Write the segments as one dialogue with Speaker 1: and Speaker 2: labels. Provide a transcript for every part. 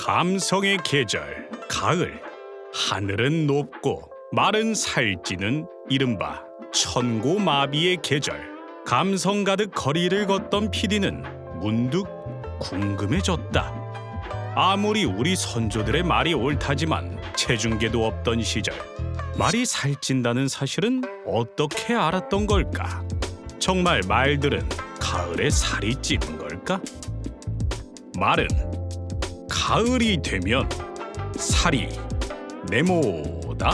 Speaker 1: 감성의 계절, 가을. 하늘은 높고 마른 살찌는 이른바 천고마비의 계절. 감성 가득 거리를 걷던 PD는 문득 궁금해졌다. 아무리 우리 선조들의 말이 옳다지만 체중계도 없던 시절, 말이 살찐다는 사실은 어떻게 알았던 걸까? 정말 말들은 가을에 살이 찌는 걸까? 말은 가을이 되면 살이 네모다?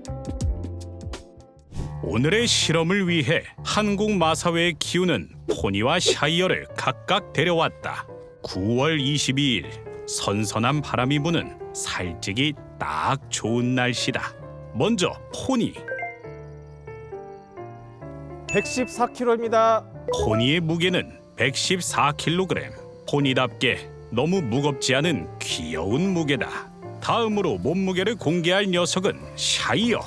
Speaker 1: 오늘의 실험을 위해 한국 마사회에 키우는 포니와 샤이어를 각각 데려왔다. 9월 22일 선선한 바람이 부는 살찌기 딱 좋은 날씨다. 먼저 포니.
Speaker 2: 114kg입니다.
Speaker 1: 포니의 무게는 114kg. 포니답게 너무 무겁지 않은 귀여운 무게다. 다음으로 몸무게를 공개할 녀석은 샤이어.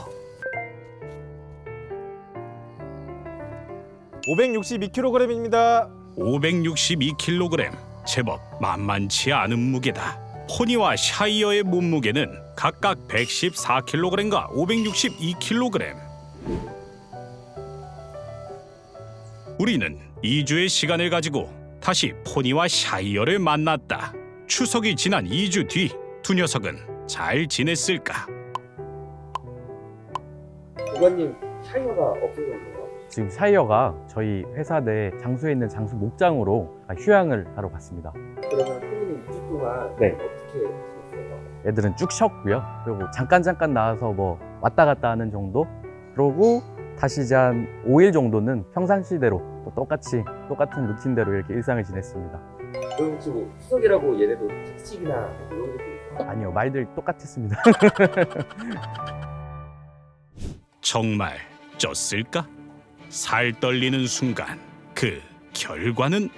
Speaker 2: 562kg입니다.
Speaker 1: 562kg. 제법 만만치 않은 무게다. 포니와 샤이어의 몸무게는 각각 114kg과 562kg. 우리는 2주의 시간을 가지고 다시 포니와 샤이어를 만났다. 추석이 지난 2주 뒤 두 녀석은 잘 지냈을까?
Speaker 3: 고관님, 샤이어가 없어졌네요.
Speaker 4: 지금 샤이어가 저희 회사 내 장수에 있는 장수 목장으로 휴양을 하러 갔습니다.
Speaker 3: 그러면 손님이 2주 동안
Speaker 4: 네.
Speaker 3: 어떻게 지냈어요?
Speaker 4: 애들은 쭉 쉬었고요. 그리고 잠깐 나와서 뭐 왔다 갔다 하는 정도. 그러고 다시 이제 한 5일 정도는 평상시대로 또 똑같은 루틴대로 이렇게 일상을 지냈습니다.
Speaker 3: 그럼 혹시 뭐 추석이라고 얘네도 특식이나 이런 것도 있어요?
Speaker 4: 아니요, 말들 똑같았습니다.
Speaker 1: 정말 쪘을까? 살 떨리는 순간 그 결과는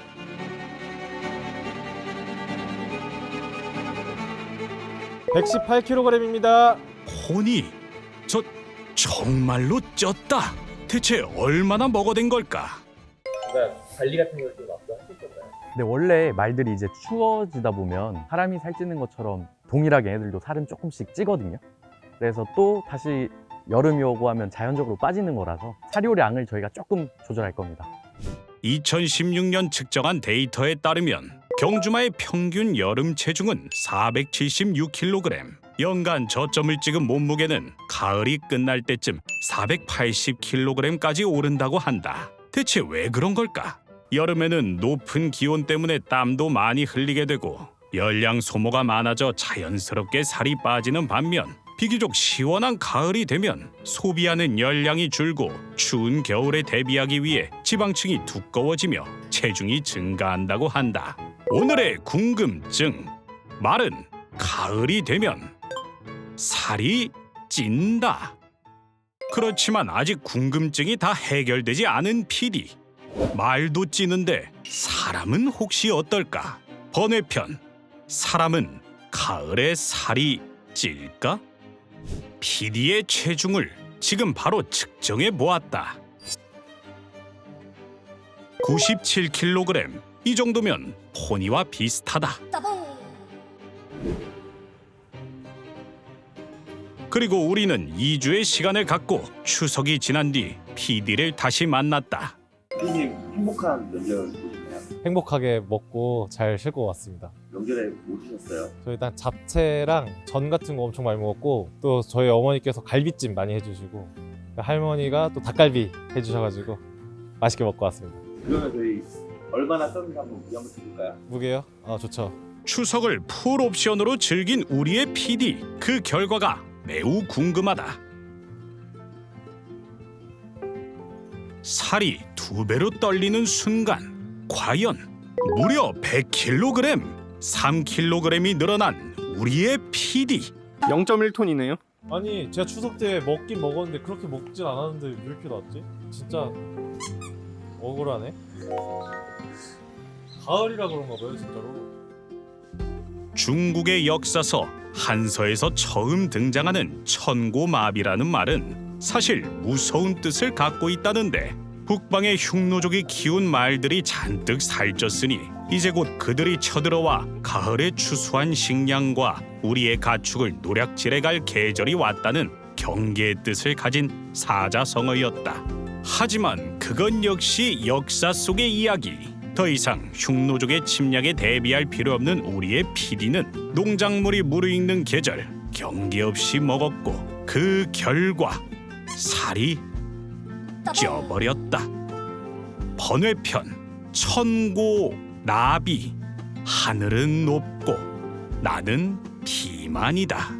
Speaker 2: (118kg입니다)
Speaker 1: 포니. 저 정말로 쪘다. 대체 얼마나 먹어댄 걸까?
Speaker 3: 뭔가 관리 같은 걸 좀 앞서 하실 건가요?
Speaker 4: 근데 원래 말들이 이제 추워지다 보면 사람이 살찌는 것처럼 동일하게 애들도 살은 조금씩 찌거든요. 그래서 또 다시 여름이 오고 하면 자연적으로 빠지는 거라서 사료량을 저희가 조금 조절할 겁니다.
Speaker 1: 2016년 측정한 데이터에 따르면 경주마의 평균 여름 체중은 476kg. 연간 저점을 찍은 몸무게는 가을이 끝날 때쯤 480kg까지 오른다고 한다. 대체 왜 그런 걸까? 여름에는 높은 기온 때문에 땀도 많이 흘리게 되고 열량 소모가 많아져 자연스럽게 살이 빠지는 반면 비교적 시원한 가을이 되면 소비하는 열량이 줄고 추운 겨울에 대비하기 위해 지방층이 두꺼워지며 체중이 증가한다고 한다. 오늘의 궁금증. 말은 가을이 되면 살이 찐다. 그렇지만 아직 궁금증이 다 해결되지 않은 PD. 말도 찌는데 사람은 혹시 어떨까? 번외편. 사람은 가을에 살이 찔까? PD의 체중을 지금 바로 측정해 보았다. 97kg. 이 정도면 포니와 비슷하다. 그리고 우리는 2주의 시간을 갖고 추석이 지난 뒤 PD를 다시 만났다.
Speaker 5: 피디님 행복한 명절 보셨나요?
Speaker 2: 행복하게 먹고 잘 쉴 것 같습니다.
Speaker 5: 명절에 뭐 드셨어요?
Speaker 2: 저희 일단 잡채랑 전 같은 거 엄청 많이 먹었고, 또 저희 어머니께서 갈비찜 많이 해주시고, 할머니가 또 닭갈비 해주셔가지고 맛있게 먹고 왔습니다.
Speaker 5: 그러면 저희 얼마나 썼는지 한번 무게 한번 해볼까요?
Speaker 2: 무게요? 아, 좋죠.
Speaker 1: 추석을 풀 옵션으로 즐긴 우리의 PD. 그 결과가 매우 궁금하다. 살이 2배로 떨리는 순간 과연 무려 100kg, 3kg이 늘어난 우리의 PD.
Speaker 6: 0.1톤이네요.
Speaker 2: 아니, 제가 추석 때 먹긴 먹었는데 그렇게 먹진 않았는데 왜 이렇게 나왔지? 진짜 억울하네. 가을이라 그런가 봐요, 진짜로.
Speaker 1: 중국의 역사서 한서에서 처음 등장하는 천고마비라는 말은 사실 무서운 뜻을 갖고 있다는데, 북방의 흉노족이 키운 말들이 잔뜩 살쪘으니 이제 곧 그들이 쳐들어와 가을에 추수한 식량과 우리의 가축을 노략질해 갈 계절이 왔다는 경계의 뜻을 가진 사자성어였다. 하지만 그건 역시 역사 속의 이야기. 더 이상 흉노족의 침략에 대비할 필요 없는 우리의 PD는 농작물이 무르익는 계절 경계 없이 먹었고 그 결과 살이 쪄버렸다. 번외편 천고 나비. 하늘은 높고 나는 비만이다.